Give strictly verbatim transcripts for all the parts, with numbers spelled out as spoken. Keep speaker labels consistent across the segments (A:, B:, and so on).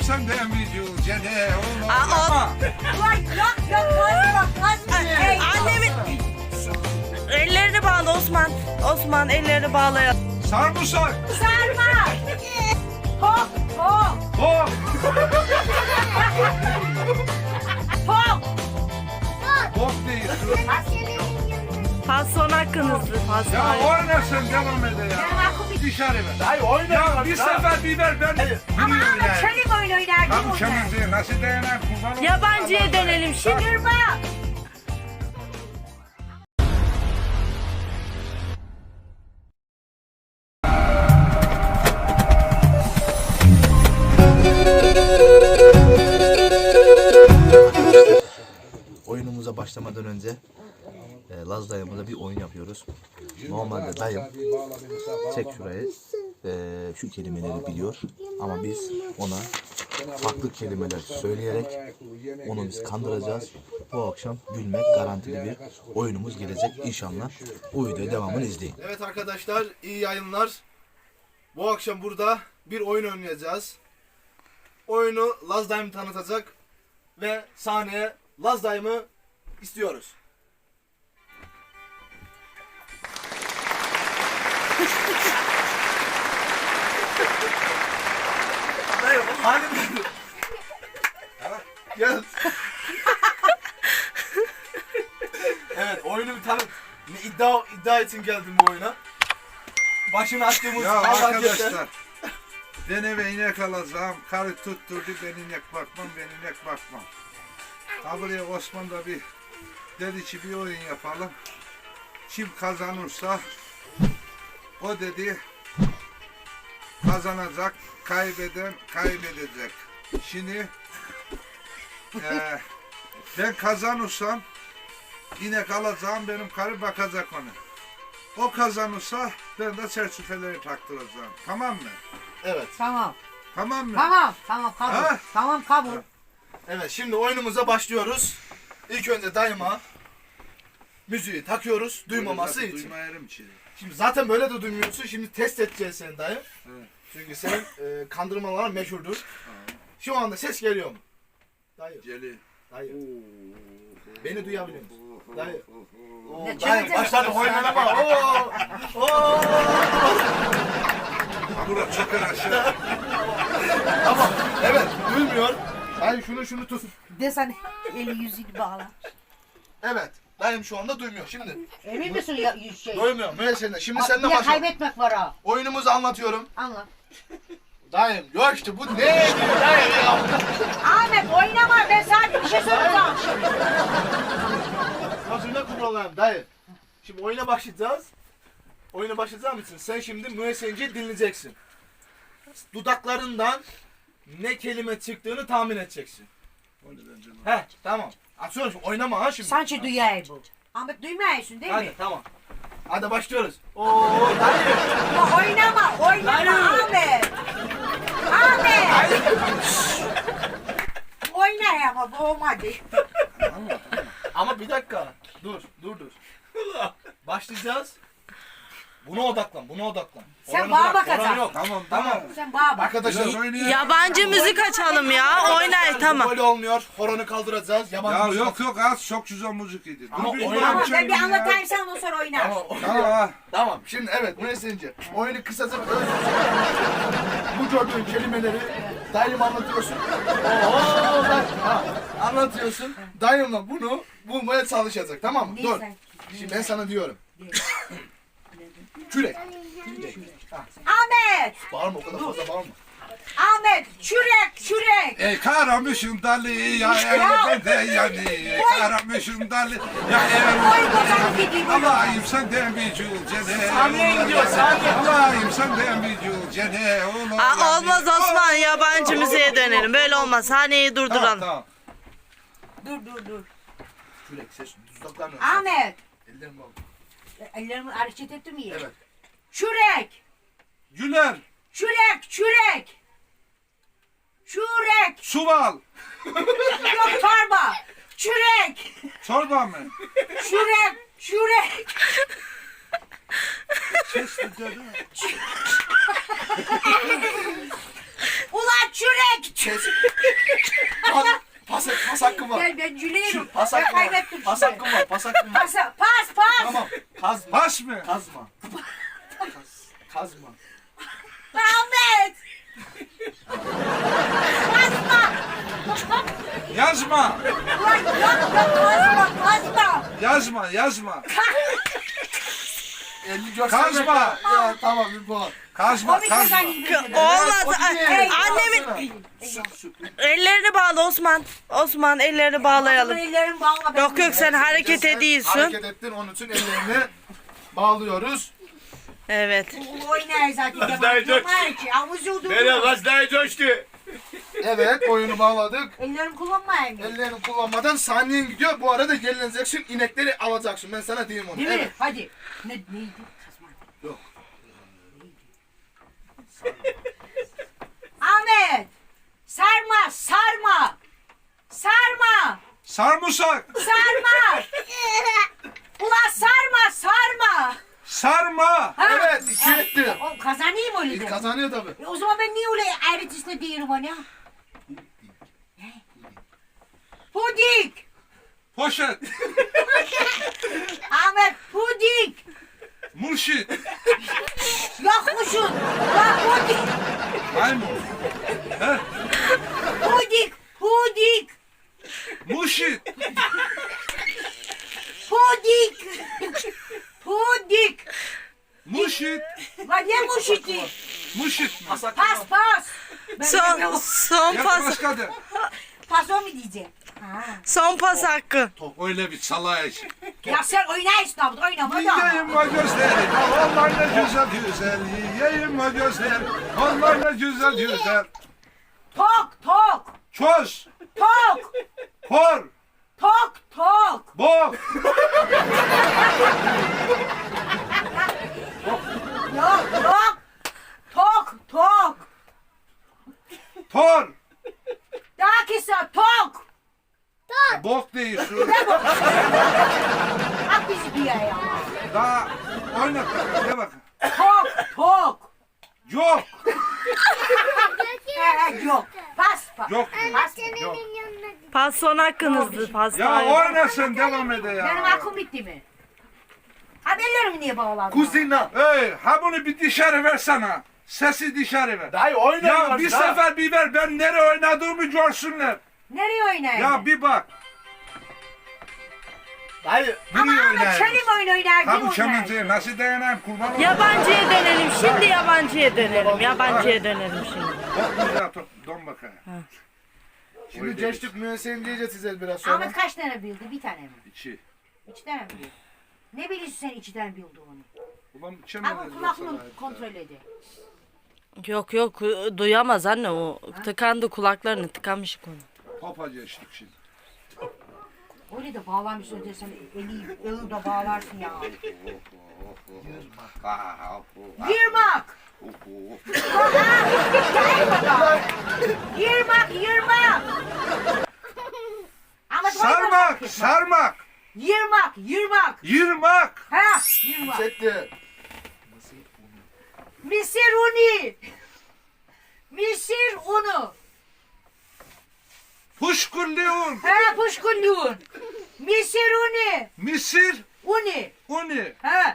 A: senden vücut cene oğlum.
B: Aa,
C: Ulan yok yok kazma kazma. Ey,
B: Annemin ellerini bağla Osman. Osman ellerini bağla.
A: Sarımsak.
C: sarma. Hop hop
A: Hop.
C: hop.
A: Hop değil.
B: Pas son hakkınızdı. Pas
A: Ya
B: son.
A: oynasın devam ede ya. Dışarı ver.
D: Hayır
A: Ya
D: oynayalım.
A: bir sefer biber ben
C: Ama
A: biliyorum
C: ama
A: yani.
C: çelik oyun oynar.
A: Tam çemizliği nasıl dayanan kurban.
B: Yabancıya dönelim şimdi.
C: Durma.
D: Oyunumuza başlamadan önce e, Laz dayımıza bir oyun yapıyoruz. Normalde dayım çek şurayı e, şu kelimeleri biliyor ama biz ona farklı kelimeler söyleyerek onu biz kandıracağız. Bu akşam gülmek garantili bir oyunumuz gelecek inşallah. Bu videoya devamını izleyin.
E: Evet arkadaşlar, iyi yayınlar. Bu akşam burada bir oyun oynayacağız. Oyunu Laz dayım tanıtacak ve sahneye Laz dayımı istiyoruz. Dayım, halim Gel. Evet, oyunu bir tanıt. Ne iddia iddia için geldim bu oyuna. Başını açtığımız
A: Ya
E: Allah
A: arkadaşlar. Ben eve inek alacağım. Karı tutturdu ben inek bakmam ben inek bakmam. Ha buraya Osman da bir dedi ki bir oyun yapalım. Kim kazanırsa o dedi kazanacak, kaybeden kaybedecek. Şimdi eee ben kazanırsam inek alacağım, benim karı bakacak onu. O kazanırsa ben de çerçeveleri taktıracağım. Tamam mı?
E: Evet.
C: Tamam.
A: Tamam mı?
C: Tamam. Tamam kabul.
A: Ha?
C: Tamam kabul.
E: Evet, şimdi oyunumuza başlıyoruz. İlk önce dayıma müziği takıyoruz duymaması için.
A: Duymayarım ki.
E: Şimdi zaten böyle de duymuyorsun. Şimdi test edeceğiz seni dayı.
A: Evet.
E: Çünkü senin e, kandırmaların meşhurdur. Şu anda ses geliyor mu? Dayı.
A: Geli.
E: Dayı. Beni duyabiliyor musun? Dayı. Oo,
C: Ne
E: dayı
C: çekeceğiz?
E: başladı oynamaya. Oo. Oo.
A: Hamura çöker aşağı.
E: Tamam. Evet, duymuyor. Dayı şunu şunu tut.
C: Desen eli yüzünü bağla.
E: Evet. Dayım şu anda duymuyor. Şimdi
C: Emin misin ya yüz şey?
E: duymuyor. Müessenle. Şimdi
C: Bak,
E: seninle
C: bir de
E: başlayalım.
C: kaybetmek var ha.
E: Oyunumuzu anlatıyorum.
C: Anla.
E: Dayım yok işte bu ne diyor dayım ya.
C: Ahmet oynama ben sadece bir şey soracağım.
E: Hazırla kuralım dayı. Şimdi oyuna başlayacağız. Oyuna başlayacağım için sen şimdi müessenceyi dinleyeceksin. Dudaklarından ne kelime çıktığını tahmin edeceksin. He tamam. Atıyorum şimdi oynama ha şimdi.
C: Sanki duyayım bu. Ahmet duymuyorsun değil
E: Hadi
C: mi?
E: tamam. Hadi başlıyoruz. Oo dayı.
C: Ya oynama oynama Ahmet. Ahmet. Oyna ama bu olmadı.
E: Ama bir dakika. Dur dur dur. Başlayacağız. Buna odaklan, buna odaklan.
C: Sen
E: Oranı
C: bana
E: bırak,
C: bakacaksın.
E: oranı yok.
A: Tamam
E: Tamam.
C: Sen bana bak.
E: Arkadaşlar
A: Biraz oynayalım.
B: Yabancı müzik açalım ya. Oynay tamam.
E: böyle olmuyor. Horonu kaldıracağız. Yabancı
A: Ya
E: müzik-
A: yok yok az çok güzel müzik idi.
E: Ama
A: Dur bir
E: oynama.
C: Tamam
A: oynayalım
C: ben bir
A: şimdi ya.
C: anlatayım sen ondan sonra oynar.
E: Tamam.
A: Tamam.
E: Tamam. Şimdi evet bu ne senince? Oyunu kısaca bu gördüğün kelimeleri dayım anlatıyorsun. Oo, bak, ha, anlatıyorsun. Dayımla bunu bulmaya çalışacak tamam mı?
C: Değil
E: Dur.
C: sen.
E: Şimdi ben sana diyorum. Kürek.
C: Ahmet.
E: Bağırma o kadar fazla bağırma.
C: Ahmet çürek çürek.
A: Ey karamışım dalı ya evde de yani. Karamışım dalı ya
C: Oy
A: evde.
C: bozan gideyim.
A: Allah'ım senden bir cül cene.
E: Saniye gidiyor, saniye.
A: Allah'ım senden bir cül cene.
B: Aa, olmaz Osman, yabancı müziğe dönelim. Böyle olmaz. Sahneyi
E: Tamam
B: durduralım.
E: tamam.
C: Dur dur dur.
E: Kürek ses dudaklarını.
C: Ahmet.
E: Ellerim bağlı.
C: Ellerimi hareket ettim mi?
E: Evet.
C: Çürek.
A: Güler.
C: Çürek çürek. Çürek.
A: Suval.
C: Yok torba. Çürek.
A: Çorba mı?
C: Çürek. Çürek.
A: Sesli dedi.
C: Ulan çürek
E: Kes. Pas, pas, pas hakkım var.
C: Ben, ben cüleyim.
E: Pas
C: Ben
E: hakkım var.
C: kaybettim
E: Pas
C: şimdi.
E: hakkım var. Pas hakkım var.
C: Pas, pas, pas.
E: Tamam. Kazma.
A: Pas mı?
E: Kazma. Kaz, kazma.
C: Ahmet. Kazma.
A: Yazma.
C: Ulan yapma kazma, kazma.
A: Yazma, yazma.
E: elli göstermek
A: Kazma.
E: var. Ya tamam bir puan.
A: Kazma,
C: O bir
A: kazma.
C: kazanayım.
B: Olmaz.
E: o
B: Ay,
E: değil.
B: Annemin ellerini bağla Osman. Osman ellerini bağlayalım.
C: Ellerimi bağla. ben
B: Yok yok sen hareket ediyorsun.
E: Hareket ettin onun için ellerini bağlıyoruz.
B: Evet.
C: Bu oynayın zaten.
F: Gazdayı
C: Yabancı var ki. Havuz yoldu.
F: Nereye gazdayı coştu?
E: Evet oyunu bağladık.
C: Ellerimi kullanmayayım.
E: Ellerini kullanmadan saniyen gidiyor. Bu arada gelineceksin, inekleri alacaksın. Ben sana diyeyim onu.
C: Değil mi?
E: Evet.
C: Hadi. Ne, neydi? Kazma.
E: Yok.
C: Ahmet. Sarma, sarma. Sarma.
A: Sarımsak.
C: Sarma. Ulan sarma, sarma.
A: Sarma.
C: Ha?
E: Evet, iki etti.
C: O kazanayım öyle
E: İlk
C: de.
E: kazanıyor tabii.
C: E o zaman ben niye öyle ayrıntısına değilim bana? Pudik.
A: Poşet.
C: Ahmet pudik.
A: Murşit.
C: Yakmışsın. Bak pudik.
A: Maymun. He?
C: Pudik. Pudik.
A: Murşit.
C: Pudik. Pudik.
A: Murşit.
C: Lan ne muşiti?
A: Murşit mi?
C: Pas pas. Ben
B: Son
C: bilmiyorum.
B: son
A: Yap
B: pas.
A: başka de.
C: Pas o mu diyeceğim? Ha.
B: Son pas hakkı.
A: Öyle bir salaş.
C: Ya sen oynayışsın abi oynama da.
A: Yiyeyim o gözleri, onlar ne güzel güzel. Yiyeyim o gözler, onlar ne güzel güzel.
C: Tok tok.
A: Çöz,
C: Tok.
A: kor,
C: Tok tok.
A: bok,
C: Yok yok. Tok tok.
A: tor,
C: Daha kısa tok.
A: bok değil şu.
C: At bizi bir yere ya.
A: Daha oynat bakalım, de bakın.
C: Tok tok.
A: Yok,
C: Ee, yok. Pas pas.
A: yok,
C: Pas.
A: yok.
B: Pas son hakkınızdı. Pas
A: Ya
B: daha-
A: oynasın, devam ede
C: Benim
A: ya.
C: aklım bitti mi? Haberlerimi niye bağladın?
E: Kuzina.
A: Hey, ha bunu bir dışarı versene. Sesi dışarı ver.
E: Dayı oynuyorlar.
A: Ya bir sefer bir ver, ben nereye oynadığımı görsünler.
C: Nereye oynayayım?
A: Ya bir bak.
E: Dayı.
C: Ama
A: Nereye
C: Ahmet
A: oynayayım?
C: Çelim oyun oynar.
A: Ha
C: kim
A: bu
C: oynar?
A: kemenceyi nasıl dayanayım kurban olayım?
B: Yabancıya dönelim. Şimdi yabancıya dönelim. Yabancıya dönelim şimdi.
A: Bak güzel tut, don bakayım.
E: Şimdi geçtik müessesin diyeceğiz size biraz sonra.
C: Ahmet kaç tane bildi? Bir tane mi?
A: İçi.
C: İki tane mi bildi? Ne biliyorsun sen iki tane bildiğini?
A: Ulan
C: Ama
A: çemenceyi
C: kulaklığı kontrol edin.
B: Yok yok duyamaz anne o. Tıkandı kulaklarını tıkanmış konu.
A: Papa geçtik şimdi.
C: Öyle de bağlamış önce sen eli, eli de bağlarsın ya. Yırmak! Yırmak, yırmak! Ahmet
A: Sarmak,
C: oynar.
A: sarmak,
C: Yırmak, yırmak!
A: yırmak,
C: Ha, yırmak.
E: Setti.
C: Misir unu! Misir unu!
A: puşkulliun,
C: Ha, puşkulluğun! Misir unu!
A: misir,
C: Unu!
A: uni.
C: Ha!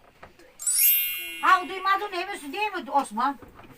C: Ha, duymadın hemesi değil mi Osman?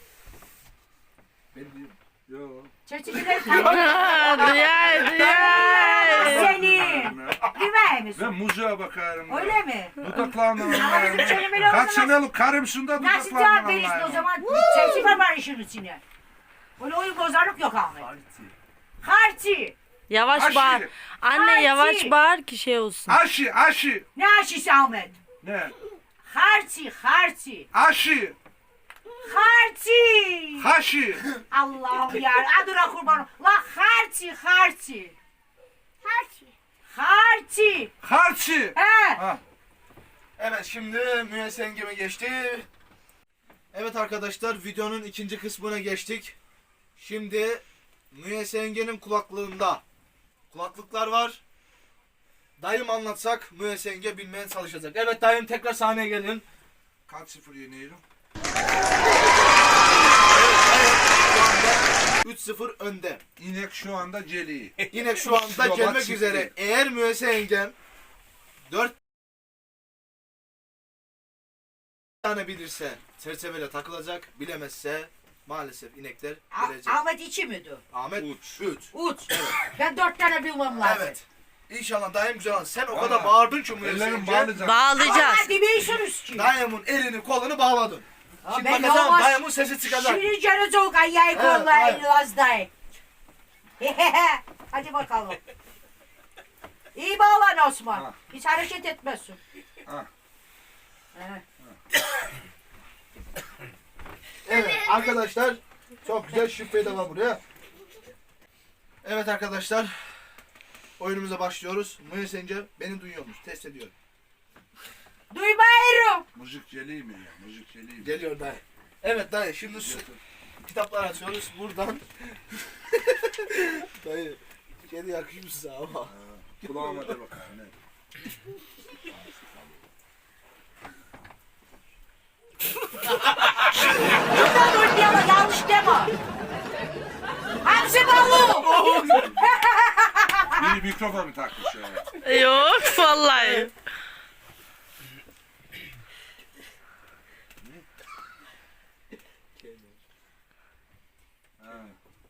A: Yok.
C: Çerçeveleri
B: Ha, duyar duyar.
C: Senin! Bilmez misin?
A: Ben muzuğa bakarım.
C: Öyle mi?
A: Dudaklarımdan
C: Ama
A: anlarım.
C: bizim kelimeler o
A: Kaç
C: zaman-
A: senelik karımsın da
C: Nasıl
A: dudaklarımdan
C: cevap verirsin o
A: anlarım.
C: zaman? Çerçeve var işin içine. Öyle oyun bozarlık yok Ahmet. Harçi.
B: Yavaş
A: Aşı.
B: bağır. Anne
C: Aşı.
B: yavaş bağır ki şey olsun.
A: Aşı, aşı.
C: Ne aşısı Ahmet?
A: Ne?
C: Harçi, harçi.
A: Aşı,
C: Harçi.
A: haşı.
C: Allah'ım ya. Adına kurbanım. La harçi, harçi. Harçi. Harçi.
A: Harçı.
C: He.
A: Ha.
E: Evet şimdi müessengeme geçti. Evet arkadaşlar videonun ikinci kısmına geçtik. Şimdi müessengenin kulaklığında kulaklıklar var. Dayım anlatsak müessenge bilmeye çalışacak. Evet dayım tekrar sahneye gelin.
A: Kaç sıfır yeniyorum?
E: üç sıfır önde.
A: İnek şu anda celi.
E: Yine şu anda
A: Yola
E: gelmek
A: çıktı.
E: üzere. Eğer Müesse yengem dört tane bilirse çerçeveyle takılacak. Bilemezse maalesef inekler
C: A-
E: gelecek.
C: Ahmet içi miydi?
E: Ahmet
A: Uç.
E: üç.
C: Uç. Ben dört tane bilmem lazım.
E: Evet. İnşallah dayım güzel an. Sen o kadar
A: Vallahi
E: bağırdın ki Müesse
A: Ellerim
E: yenge.
A: bağlayacak.
B: Bağlayacağız.
C: Ama demeyiyorsunuz ki.
E: Dayımın elini kolunu bağladın.
C: Ha,
E: Şimdi
C: ben
E: bakacağım
C: olmaz.
E: dayımın sesi çıkacak.
C: Şimdi canı çok ayağı
E: Evet,
C: kollayın
E: evet.
C: Lazdayım. Hadi bakalım. İyi bağlan Osman.
A: Ha.
C: Hiç hareket etmezsin.
A: Ha.
C: Evet.
E: Evet arkadaşlar çok güzel şüphe de var buraya. Evet arkadaşlar oyunumuza başlıyoruz. Müesse yenge beni duyuyormuş. Test ediyorum.
C: Duymuyorum.
A: Müzik celi mi ya? Müzik celi mi?
E: Geliyor dayı. Evet dayı şimdi su, kitaplar açıyoruz buradan. Dayı kedi yakışmış size ama.
A: Kulağıma de bakalım. Ne?
C: Buradan oynayalım yanlış deme. Hamsi balı.
A: Biri mikrofonu takmış ya.
B: Yok vallahi.
A: Ha.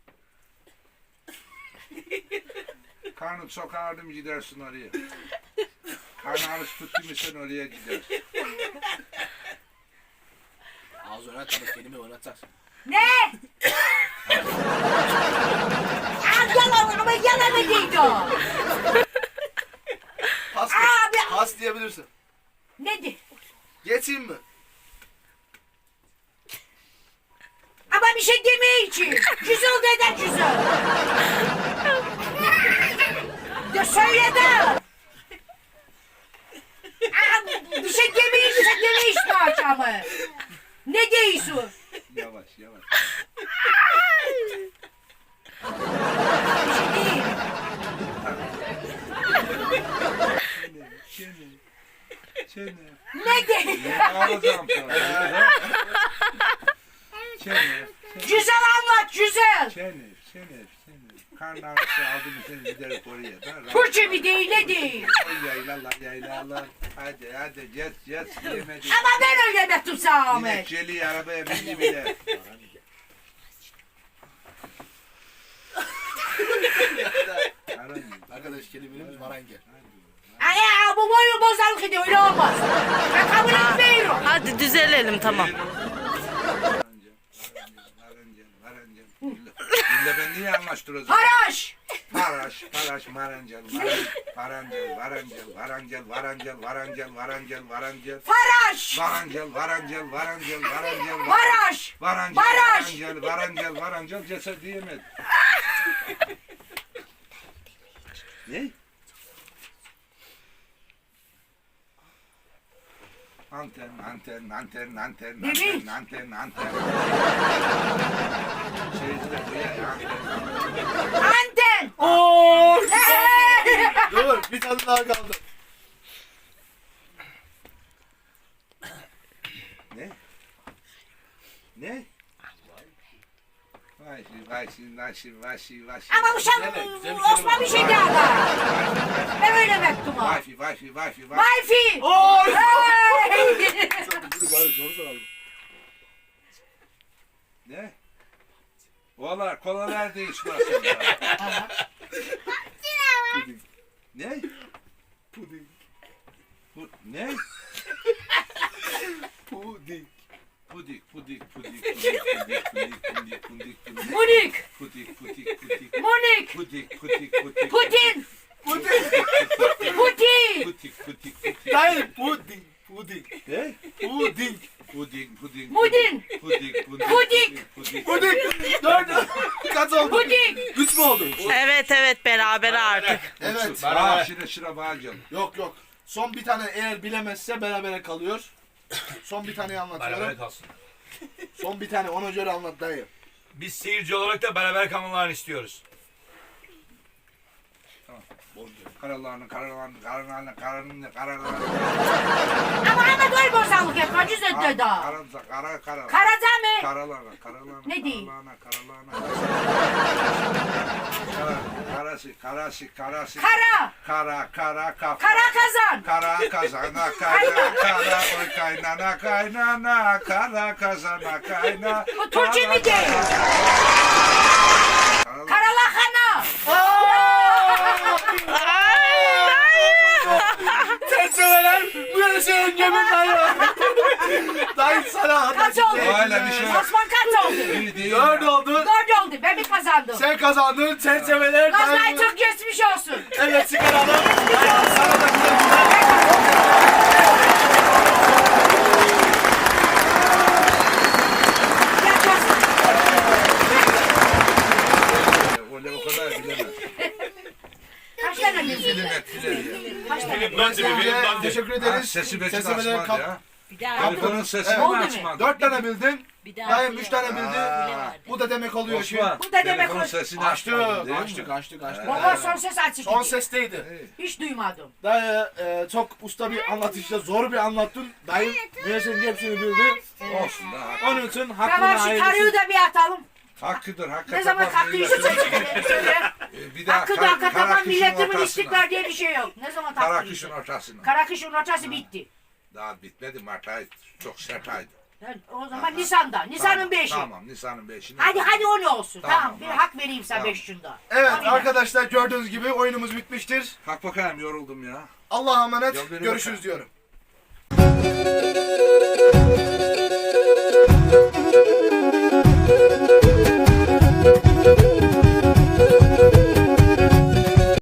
A: Karnın çok ağrıdı mı gidersin oraya. Karnın ağrısı tuttu mu sen oraya gidersin.
E: Ağız oynat ama kelime oynatacaksın.
C: Ne? Aa, yalan ama yalan ediydi o.
E: Pas,
C: Abi.
E: pas diyebilirsin.
C: Nedir?
E: Geçeyim mi?
C: Ama bir şey demeye için. Güzel neden güzel? Ya söyledim. Aa, bir şey demeye için demeye işte akşamı. Ne diyorsun?
A: Yavaş yavaş.
C: Bir şey değil.
A: Çene. Çene.
C: Ne değil?
A: Ne ağlayacağım sonra? Çene.
C: Güzel anlat güzel.
A: Çene. Çene. Çene. Karnın ağrısı aldı mı seni giderek oraya da.
C: Türkçe mi değil ne değil?
A: Oy yaylalar yaylalar. Hadi hadi geç geç yemedi.
C: Ama ben öyle mektub sana
A: Yine
C: Ahmet.
A: Celi arabaya bindi bile. Aran.
E: Arkadaş kelimelerimiz marenge.
C: Ay ay, bu boyu bozarlık ediyor öyle olmaz. Ben kabul etmiyorum.
B: Hadi düzelelim tamam.
A: Dille ben niye anlaştıracağım?
C: Haraş.
A: Paraş, paraş, marancel, varancel, varancel, varancel, varancel, varancel, varancel, varancel,
C: Faraş.
A: varancel, varancel, varancel, varancel,
C: Haraş.
A: varancel,
C: Baraj.
A: varancel, varancel, varancel, ceset diyemedi. Ne? Anten, anten, anten, anten, anten, anten, anten. Seyirciler duyar ya, anten.
C: Anten.
E: Oo! Dur bir tane daha kaldı.
A: Ne? Ne? Vay şimdi, vay şimdi, vay şimdi, vay şimdi, vay şimdi.
C: Ama bu sen
E: Güzel, güzel bir
C: Osman bir şey daha var. Ben öyle mektubu.
A: Vay fi, vay fi, vay fi, vay fi.
C: Wi-Fi.
E: Oy!
C: Hey!
E: Dur bari zor soralım.
A: Ne? Valla kola nerede içmezsin ya? Ne?
E: Puding.
A: Bu, ne?
E: Puding.
A: Pudik, pudik, pudik, pudik, pudik, pudik, pudik, pudik, pudik,
C: Munik.
A: pudik, pudik, pudik,
C: Munik.
A: pudik, pudik, pudik,
C: Putin.
E: Puding.
C: Putin.
A: pudik, pudik, pudik.
E: Hayır puding. Puding.
A: Ne?
E: Puding.
A: Puding, puding,
C: Mudin.
A: pudik, pudik,
C: Pudik.
A: pudik,
E: Puding. Dört. Kaç oldu?
C: Puding.
E: Üç mü oldu?
B: Evet evet beraber artık.
E: Evet.
A: Aa, şire şire bağıracağım.
E: Yok yok. Son bir tane eğer bilemezse berabere kalıyor. Son bir taneyi
F: Beraber
E: anlatıyorum.
F: kalsın.
E: Son bir tane ona göre anlat dayı.
F: Biz seyirci olarak da beraber kalmalarını istiyoruz.
A: Karalarını, karalarını, karalarını, karalarını, karalarını.
C: Ama ama doy bozarlık etme güzel dedi.
A: Karanza, kara, kara.
C: Karaca mı?
A: Karalarına, karalarına.
C: Ne diyeyim?
A: Karalarına, karalarına. karası, karası, karası.
C: Kara.
A: Kara, kara, kafa.
C: Kara kazan.
A: Kara kazana kayna, kara oy kaynana kaynana, kara kazana kayna.
C: Bu Türkçe mi değil? Karalahana.
E: Çerçeveler bu yana senin yemin dayı. Dayı sana
C: Kaç oldu?
A: Öyle bir şey yok.
C: Osman kaç oldu?
A: İyi değil
E: Dört
A: ya.
E: oldu.
C: Dört oldu. Ben mi kazandım?
E: Sen kazandın. Çerçeveler
C: Gazay
E: dayı.
C: çok geçmiş olsun.
E: Evet çıkaralım. Dayı sana da güle güle.
C: Yaşasın.
A: Öyle o kadar bilemez.
C: Kaç tane bildin?
A: Film et, film et.
C: Kaç tane?
F: Film dandı bir film dandı.
E: Teşekkür
A: Ha,
E: ederiz.
A: sesi beşi de
E: Çerçeveler
A: açmadı
E: kap-
A: ya.
G: Bir daha
A: Telefonun sesini
E: Evet.
A: mi
C: Oldu mu?
A: açmadı?
E: Dört tane bildin.
G: bir daha
E: Dayım üç tane bildi.
A: Aa,
E: Bu da demek oluyor ki.
A: Osman,
C: Bu da demek
A: telefonun
C: o-
A: sesini
E: Açtık,
A: açmadın değil mi?
E: açtık, açtık, açtık.
C: Baba son ses açık.
E: Son
C: idi.
E: sesteydi.
C: Hiç duymadım.
E: Dayı e, çok usta bir anlatışla zor bir anlattın. Dayı Münes'in hepsini bildi.
A: Olsun da.
E: Onun için hakkını
C: Tamam şu
E: hayırlısı.
C: tarığı da bir atalım.
A: Hakkıdır, hakkı
C: Ne zaman
A: tapan
C: kalktı
A: milletin-
C: yüzü çekelim. Söyle.
A: Ee, Bir daha
C: Hakkı
A: kar-
C: da hakka tapan
A: Karakış'ın
C: milletimin
A: ortasına.
C: istiklal diye bir şey yok. Ne zaman taktı
A: Karakış'ın
C: yüzü?
A: ortasına.
C: Karakış'ın ortası bitti.
A: Daha bitmedi, Mart ayı çok sert aydı.
C: Yani o zaman Nisan'da. Nisan'ın
A: Tamam,
C: beşi.
A: Tamam, Nisan'ın beşini.
C: Hadi hadi o ne olsun.
A: Tamam,
C: Tamam, bir
A: tamam.
C: hak vereyim sana
A: Tamam.
C: beş şunda.
E: Evet
C: Tabii.
E: arkadaşlar gördüğünüz gibi oyunumuz bitmiştir.
A: Kalk bakayım, yoruldum ya.
E: Allah'a emanet.
A: Yol verin
E: Görüşürüz
A: bakalım.
E: diyorum.